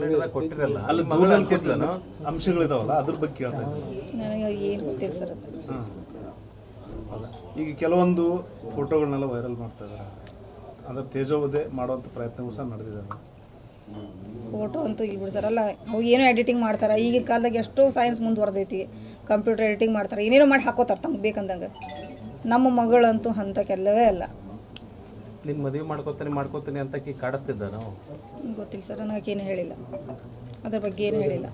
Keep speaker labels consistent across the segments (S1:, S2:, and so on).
S1: Complaint ಕೊಟ್ಟಿರಲ್ಲ
S2: ಅಲ್ಲಿ ದೂರಲ್ಲಿ ಕೊಟ್ಟಿಲ್ಲ ಅಂಶಗಳಿದಾವಲ್ಲ ಅದ್ರ ಬಗ್ಗೆ ಕೇಳ್ತಾ ಇದ್ದೀನಿ.
S3: ನನಗೆ ಏನು ಗೊತ್ತಿಲ್ಲ ಸರ್ ಅದು.
S2: ಹೌದಾ, ಈಗ ಕೆಲವೊಂದು ಫೋಟೋಗಳನ್ನೆಲ್ಲ ವೈರಲ್ ಮಾಡ್ತಾ ಇದ್ದಾರೆ, ಅದರ ತೇಜೋವಧೆ ಮಾಡುವಂಥ ಪ್ರಯತ್ನವೂ ಸಹ ನಡೆದಿದೆ.
S3: ಫೋಟೋ ಅಂತೂ ಇಲ್ಲಿ ಬಿಡಿ ಸರ್, ಅಲ್ಲ ಅವು ಏನೋ ಎಡಿಟಿಂಗ್ ಮಾಡ್ತಾರೆ. ಈಗಿನ ಕಾಲದಾಗ ಎಷ್ಟೋ ಸೈನ್ಸ್ ಮುಂದುವರೆದೈತಿ, ಕಂಪ್ಯೂಟರ್ ಎಡಿಟಿಂಗ್ ಮಾಡ್ತಾರೆ, ಏನೇನೋ ಮಾಡಿ ಹಾಕೋತಾರೆ ತಮ್ಗೆ ಬೇಕಂದಂಗೆ. ನಮ್ಮ ಮಗಳಂತೂ ಅಂಥಕ್ಕೆಲ್ಲವೇ ಅಲ್ಲ.
S1: ನಿನ್ನ ಮದುವೆ ಮಾಡ್ಕೋತೀನಿ ಅಂತ ಕಾಡಿಸ್ತಿದ್ದ ನಾವು
S3: ಗೊತ್ತಿಲ್ಲ ಸರ್, ನನಗೇನು ಹೇಳಿಲ್ಲ, ಅದ್ರ ಬಗ್ಗೆ ಏನು ಹೇಳಿಲ್ಲ.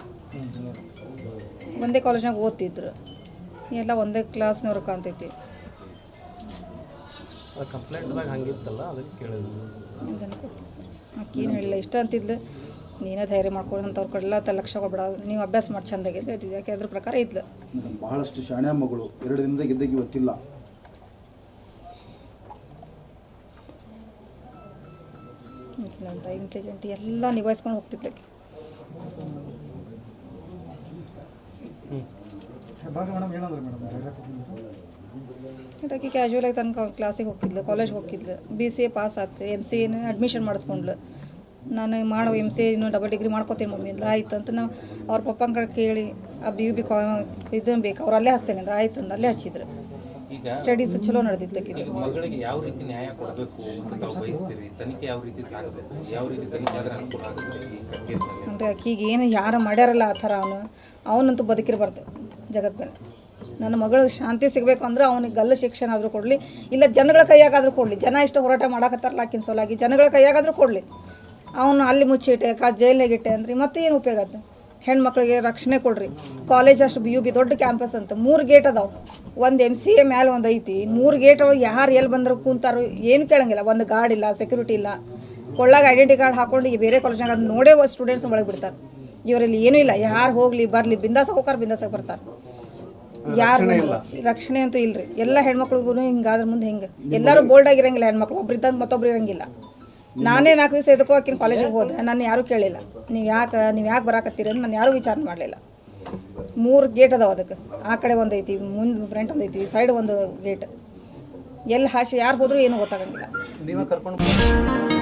S3: ಒಂದೇ ಕಾಲೇಜ್ನಾಗ ಓದ್ತಿದ್ರು, ಎಲ್ಲ ಒಂದೇ ಕ್ಲಾಸ್ನವ್ರು ಕಾಣ್ತೈತಿ.
S1: ಕಂಪ್ಲೇಂಟ್ದಾಗ ಹಂಗಿತ್ತಲ್ಲ ಅದಕ್ಕೆ ಕೇಳಿದ್ರು.
S3: ಅದನ್ನು ಕೊಟ್ಟಿಲ್ಲ ಸರ್, ಆಕೇನು ಹೇಳಿಲ್ಲ. ಇಷ್ಟ ಅಂತಿದ್ಲು, ನೀನೇ ಧೈರ್ಯ ಮಾಡ್ಕೊಂಡು ಅಂಥವ್ರ ಕಡೆಲ್ಲ ಲಕ್ಷ ಕೊಡ್ಬೇಡ, ನೀವು ಅಭ್ಯಾಸ ಮಾಡಿ ಚೆಂದಾಗಿದ್ದು ಇದ್ವಿ. ಯಾಕೆ ಅದ್ರ ಪ್ರಕಾರ ಇದ್ಲು.
S4: ಬಹಳಷ್ಟು ಶಾಣೆ ಮಗಳು, 2 ದಿನದಾಗ ಇದ್ದಾಗ ಇವತ್ತಿಲ್ಲ.
S3: ಅಂತ ಇಂಟೆಲಿಜೆಂಟ್ ಎಲ್ಲ ನಿಭಾಯಿಸ್ಕೊಂಡು ಹೋಗ್ತಿದ್ಲಕ್ಕೆ. ಆಕೆ ಕ್ಯಾಶುವಲ್ ಆಗಿ ತನಕ ಕ್ಲಾಸಿಗೆ ಹೋಗಿದ್ಲು, ಕಾಲೇಜ್ಗೆ ಹೋಗಿದ್ಲು, BCA ಪಾಸ್ ಆಯ್ತು, MCA ಅಡ್ಮಿಷನ್ ಮಾಡಿಸ್ಕೊಂಡ್ಲು. ನಾನು ಮಾಡೋ MCA ಡಬಲ್ ಡಿಗ್ರಿ ಮಾಡ್ಕೋತೀನಿ ಮಮ್ಮಿ ಅಂದ್ಲು. ಆಯ್ತು ಅಂತ ನಾವು ಅವ್ರ ಪಪ್ಪನ ಕಡೆ ಕೇಳಿ ಆ BUB ಇದನ್ನು ಬೇಕು ಅವ್ರು ಅಲ್ಲೇ ಹಚ್ತೇನೆ ಅಂದ್ರೆ ಆಯ್ತು ಅಂದು ಅಲ್ಲೇ ಹಚ್ಚಿದ್ರು. ಸ್ಟಡೀಸ್ ಚಲೋ ನಡೆದಿದ್ದಕ್ಕಿದೆ.
S5: ಮಗಳಿಗೆ ಯಾವ ರೀತಿ ನ್ಯಾಯ ಕೊಡಬೇಕು ಅಂತ ತಾವು ಬಯಸ್ತೀರಿ? ತನಿಖೆ ಯಾವ ರೀತಿ ಸಾಗಬೇಕು? ಯಾವ ರೀತಿ ತನಿಖೆ ಆದರೆ ಅನುಕೂಲ ಆಗುತ್ತೆ ಈ ಕೇಸ್ನಲ್ಲಿ?
S3: ಅಂದರೆ ಆಕಿಗೆ ಏನು ಯಾರು ಮಾಡ್ಯಾರಲ್ಲ ಆ ಥರ ಅವನಂತೂ ಬದುಕಿರಬಾರ್ದು ಜಗತ್ ಮೇಲೆ. ನನ್ನ ಮಗಳು ಶಾಂತಿ ಸಿಗಬೇಕು ಅಂದ್ರೆ ಅವನಿಗೆ ಗಲ್ಲು ಶಿಕ್ಷಣ ಆದರೂ ಕೊಡಲಿ, ಇಲ್ಲ ಜನಗಳ ಕೈಯಾಗಾದರೂ ಕೊಡಲಿ. ಜನ ಇಷ್ಟು ಹೋರಾಟ ಮಾಡಕತ್ತಾರಲ್ಲ ಆಕಿನ ಸೋಲಾಗಿ, ಜನಗಳ ಕೈಯಾಗಾದರೂ ಕೊಡಲಿ. ಅವನು ಅಲ್ಲಿ ಮುಚ್ಚಿಟ್ಟೆ ಜೈಲ್ನಾಗಿಟ್ಟೆ ಅಂದ್ರೆ ಮತ್ತೆ ಏನು ಉಪಯೋಗ ಆಯ್ತು? ಹೆಣ್ಮಕ್ಳಿಗೆ ರಕ್ಷಣೆ ಕೊಡ್ರಿ. ಕಾಲೇಜ್ ಅಷ್ಟು BUB ದೊಡ್ಡ ಕ್ಯಾಂಪಸ್ ಅಂತ 3 ಗೇಟ್ ಅದಾವೆ. ಒಂದು MCA ಮೇಲೆ ಒಂದು ಐತಿ, 3 ಗೇಟ್ ಒಳಗೆ ಯಾರು ಎಲ್ಲಿ ಬಂದ್ರು ಕೂತಾರೋ ಏನು ಕೇಳಂಗಿಲ್ಲ. ಒಂದು ಗಾರ್ಡ್ ಇಲ್ಲ, ಸೆಕ್ಯೂರಿಟಿ ಇಲ್ಲ. ಕೊಳ್ಳಾಗ ಐಡೆಂಟಿ ಕಾರ್ಡ್ ಹಾಕೊಂಡು ಈಗ ಬೇರೆ ಕಾಲೇಜ್ನಾಗ ಅದು ನೋಡೇ ಸ್ಟೂಡೆಂಟ್ಸ್ ಒಳಗೆ ಬಿಡ್ತಾರೆ. ಇವರಲ್ಲಿ ಏನೂ ಇಲ್ಲ, ಯಾರು ಹೋಗ್ಲಿ ಬರಲಿ ಬಿಂದಾಸ ಹೋಗಾರ ಬಿಂದಾಸಾಗಿ ಬರ್ತಾರೆ. ಯಾರು ರಕ್ಷಣೆ ಅಂತೂ ಇಲ್ರಿ. ಎಲ್ಲ ಹೆಣ್ಮಕ್ಳಿಗೂ ಹಿಂಗಾದ್ರ ಮುಂದೆ ಹಿಂಗೆ ಎಲ್ಲರೂ ಬೋಲ್ಡ್ ಆಗಿರಂಗಿಲ್ಲ. ಹೆಣ್ಮಕ್ಳು ಒಬ್ರಿದ್ದಂಗೆ ಮತ್ತೊಬ್ರು ಇರಂಗಿಲ್ಲ. ನಾನೇ 4 ದಿವಸ ಎದಕ್ಕೋ ಆಕಿನ ಕಾಲೇಜಿಗೆ ಹೋದ್ರೆ ನಾನು ಯಾರೂ ಕೇಳಿಲ್ಲ, ನೀವು ಯಾಕೆ ಬರಾಕತ್ತೀರಿ ಅಂತ ನಾನು ಯಾರೂ ವಿಚಾರ ಮಾಡಲಿಲ್ಲ. 3 ಗೇಟ್ ಅದಾವೆ ಅದಕ್ಕೆ. ಆ ಕಡೆ ಒಂದು ಐತಿ, ಮುಂದೆ ಫ್ರಂಟ್ ಒಂದು ಐತಿ, ಸೈಡ್ ಒಂದು ಗೇಟ್. ಎಲ್ಲಿ ಹಾಶಿ ಯಾರು ಹೋದ್ರೂ ಏನೂ ಗೊತ್ತಾಗಂಗಿಲ್ಲ.
S1: ನೀವೇ ಕರ್ಕೊಂಡು